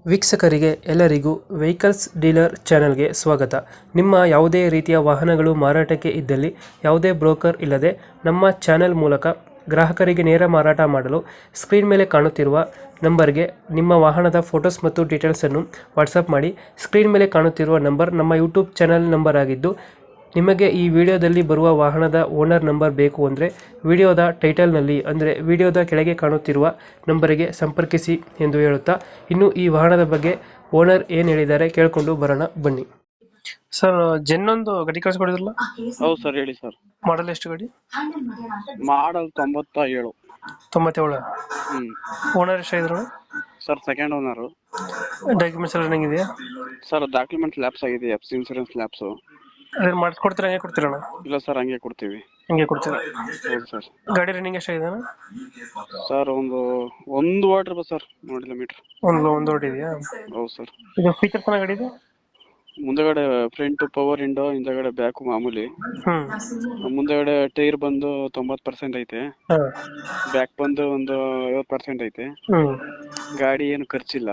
ವೀಕ್ಷಕರಿಗೆ ಎಲ್ಲರಿಗೂ vehicles dealer ಚಾನೆಲ್ಗೆ ಸ್ವಾಗತ. ನಿಮ್ಮ ಯಾವುದೇ ರೀತಿಯ ವಾಹನಗಳು ಮಾರಾಟಕ್ಕೆ ಇದ್ದಲ್ಲಿ ಯಾವುದೇ ಬ್ರೋಕರ್ ಇಲ್ಲದೆ ನಮ್ಮ ಚಾನೆಲ್ ಮೂಲಕ ಗ್ರಾಹಕರಿಗೆ ನೇರ ಮಾರಾಟ ಮಾಡಲು ಸ್ಕ್ರೀನ್ ಮೇಲೆ ಕಾಣುತ್ತಿರುವ ನಂಬರ್ಗೆ ನಿಮ್ಮ ವಾಹನದ ಫೋಟೋಸ್ ಮತ್ತು ಡೀಟೇಲ್ಸನ್ನು ವಾಟ್ಸಪ್ ಮಾಡಿ. ಸ್ಕ್ರೀನ್ ಮೇಲೆ ಕಾಣುತ್ತಿರುವ ನಂಬರ್ ನಮ್ಮ ಯೂಟ್ಯೂಬ್ ಚಾನೆಲ್ ನಂಬರ್ ಆಗಿದ್ದು, ನಿಮಗೆ ಈ ವಿಡಿಯೋದಲ್ಲಿ ಬರುವ ವಾಹನದ ಓನರ್ ನಂಬರ್ ಬೇಕು ಅಂದರೆ ವಿಡಿಯೋದ ಟೈಟಲ್ನಲ್ಲಿ ಅಂದರೆ ವಿಡಿಯೋದ ಕೆಳಗೆ ಕಾಣುತ್ತಿರುವ ನಂಬರಿಗೆ ಸಂಪರ್ಕಿಸಿ ಎಂದು ಹೇಳುತ್ತಾ, ಇನ್ನು ಈ ವಾಹನದ ಬಗ್ಗೆ ಓನರ್ ಏನು ಹೇಳಿದ್ದಾರೆ ಕೇಳಿಕೊಂಡು ಬರೋಣ ಬನ್ನಿ. ಸರ್, ಜೆನ್ನೊಂದು ಗಾಡಿ ಕಳಿಸ್ಕೊಡಿದ್ರಲ್ಲ? ಹೌದು ಸರ್, ಹೇಳಿ ಸರ್. ಮಾಡಲ್ ಎಷ್ಟು ಗಾಡಿ? ಮಾಡಲ್ 97. 97. ಓನರ್ ಎಷ್ಟಾಗಿದ್ರು ಸರ್? Second owner. ಡಾಕ್ಯುಮೆಂಟ್ಸ್ ಎಲ್ಲ ರನ್ನಿಂಗ್ ಇದೆಯಾ? ಸರ್, ಡಾಕ್ಯುಮೆಂಟ್ ಲ್ಯಾಪ್ಸ್ ಆಗಿದೆ, ಎಫ್ ಸಿ ಇನ್ಸೂರೆನ್ಸ್ ಲ್ಯಾಪ್ಸು. ಅದನ್ನ ಮಾಡಿಸ್ಕೊಡ್ತೀರಾ, ಹಂಗೆ ಕೊಡ್ತೀರಣ್ಣ? ಇಲ್ಲ ಸರ್, ಹಂಗೆ ಕೊಡ್ತೀವಿ. ಹಂಗೆ ಕೊಡ್ತೀರಾ? ಹೌದು ಸರ್. ಗಾಡಿ ರನ್ನಿಂಗ್ ಎಷ್ಟಾಗಿದೆ? ಸರ್, ಒಂದು ವಾಟರ್ ಬಸ್ ಸರ್, ನೋಡಿಲ್ಲ ಮೀಟ್ರ್. ಒಂದು ಹೊಡಿದೆಯಾ? ಹೌದು ಸರ್. ಇದು ಫೀಚರ್ಸ್ ಚೆನ್ನಾಗಿ ಗಾಡಿ ಇದೆ? ಮುಂದಗಡೆ ಫ್ರಂಟ್ ಪವರ್ ವಿಂಡೋ, ಹಿಂದಗಡೆ ಬ್ಯಾಕ್ ಮಾಮೂಲಿ. ಮುಂದಗಡೆ ಟೈರ್ ಬಂದು 90% ಐತೆ, ಬ್ಯಾಕ್ ಬಂದು ಒಂದು 50% ಐತೆ. ಗಾಡಿ ಏನು ಖರ್ಚಿಲ್ಲ,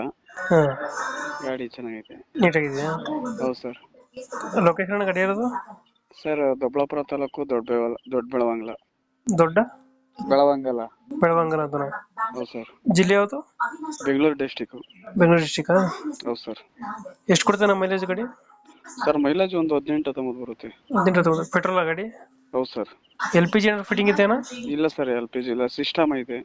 ಗಾಡಿ ಚೆನ್ನಾಗೈತೆ, ನೀಟಾಗಿದೆಯಾ? ಹೌದು ಸರ್. ಲೊಕೇಶನ್ ಗಾಡಿ ಇರೋದು? ಸರ್, ದೊಡ್ಡಬಳ್ಳಾಪುರ ತಾಲೂಕು, ದೊಡ್ಡ ಬೆಳವಂಗಲ. ದೊಡ್ಡ ಬೆಳವಂಗಲ ಅಂತ? ಹೌದು ಸರ್. ಜಿಲ್ಲೆ ಯಾವುದು? ಬೆಂಗಳೂರು ಡಿಸ್ಟಿಕ್. ಬೆಂಗಳೂರು ಡಿಸ್ಟಿಕ್. ಹೌದು ಸರ್. ಎಷ್ಟು ಕೊಡ್ತಾನೆ ಮೈಲೇಜ್ ಗಾಡಿ? ಸರ್, ಮೈಲೇಜ್ ಒಂದು 18-19 ಬರುತ್ತೆ. 18 ಪೆಟ್ರೋಲ್ ಗಾಡಿ? ಹೌದು ಸರ್. LPG ಏನಾದ್ರು ಫಿಟ್ಟಿಂಗ್ ಇದೆಯಾ? ಇಲ್ಲ ಸರ್, LPG ಇಲ್ಲ, ಸಿಸ್ಟಮ್ ಐತೆ.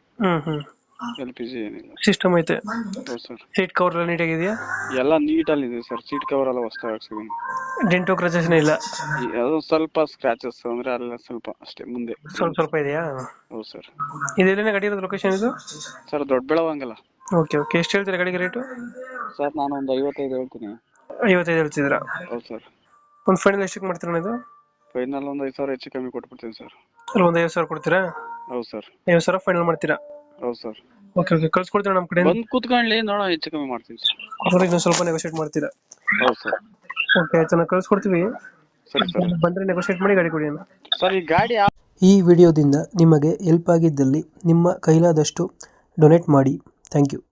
LPG ಏನಿಲ್ಲ, ಸಿಸ್ಟಮ್ ಐತೆ. ಹೌದು ಸರ್. ಸೀಟ್ ಕವರ್ ಎಲ್ಲ ನೀಟಾಗಿದೆಯಾ? ಎಲ್ಲ ನೀಟಲ್ಲಿ ಇದೆ ಸರ್. ಸೀಟ್ ಕವರ್ ಎಲ್ಲ ಹೊಸದಾಗಿ ಹಾಕ್ಸಿದೀನಿ. ಡೆಂಟು ಕ್ರಚಸ್ ಇಲ್ಲ? ಅದು ಸ್ವಲ್ಪ ಸ್ಕ್ರಾಚಸ್ ಅಂದ್ರೆ ಅಲ್ಲ, ಸ್ವಲ್ಪ ಅಷ್ಟೇ, ಮುಂದೆ ಸ್ವಲ್ಪ ಇದೆಯಾ? ಹೌದು ಸರ್. ಇದೆಲ್ಲ ಗಾಡಿ ಇರೋದು ಲೊಕೇಶನ್ ಇದು? ಸರ್, ದೊಡ್ಡ ಬೆಳವಂಗಲ. ಓಕೆ. ಎಷ್ಟು ಹೇಳ್ತೀರಾ ಗಾಡಿಗೆ ರೇಟು? ಸರ್, ನಾನು ಒಂದು 55 ಹೇಳ್ತೀನಿ. 55 ಹೇಳ್ತಿದ್ದೀರಾ? ಹೌದು ಸರ್. ಒಂದು ಫೈನಲ್ ಎಷ್ಟಕ್ಕೆ ಮಾಡ್ತೀರಾ ಇದು? ಫೈನಲ್ ಒಂದು 5,000 ಹೆಚ್ಚು ಕಮ್ಮಿ ಕೊಟ್ಬಿಡ್ತೀನಿ ಸರ್. ಅಲ್ಲಿ ಒಂದು 50,000 ಕೊಡ್ತೀರಾ? ಹೌದು ಸರ್. 50,000 ಫೈನಲ್ ಮಾಡ್ತೀರಾ? ಹೌದು ಸರ್. ಓಕೆ. ಕಳ್ಸ್ಕೊಡ್ತೀರಾ ನಮ್ಮ ಕಡೆ? ಬಂದು ಕೂತ್ಕೊಳ್ಳಿ, ನೋಡೋಣ, ಹೆಚ್ಚು ಕಮ್ಮಿ ಮಾಡ್ತೀನಿ ಸರ್. ಇನ್ನೊಂದು ಸ್ವಲ್ಪ ನೆಗೋಶಿಯೇಟ್ ಮಾಡ್ತೀರಾ? ಹೌದು ಸರ್. ಓಕೆ, ಆಯ್ತು, ನಾವು ಕಳ್ಸ್ಕೊಡ್ತೀವಿ. ಸರಿ ಸರ್. ಬಂದರೆ ನೆಗೋಶಿಯೇಟ್ ಮಾಡಿ ಗಾಡಿ ಕೊಡಿ ಅಣ್ಣ. ಸರ್, ಈ ಗಾಡಿ ಈ ವಿಡಿಯೋದಿಂದ ನಿಮಗೆ ಹೆಲ್ಪ್ ಆಗಿದ್ದಲ್ಲಿ ನಿಮ್ಮ ಕೈಲಾದಷ್ಟು ಡೊನೇಟ್ ಮಾಡಿ. Thank you.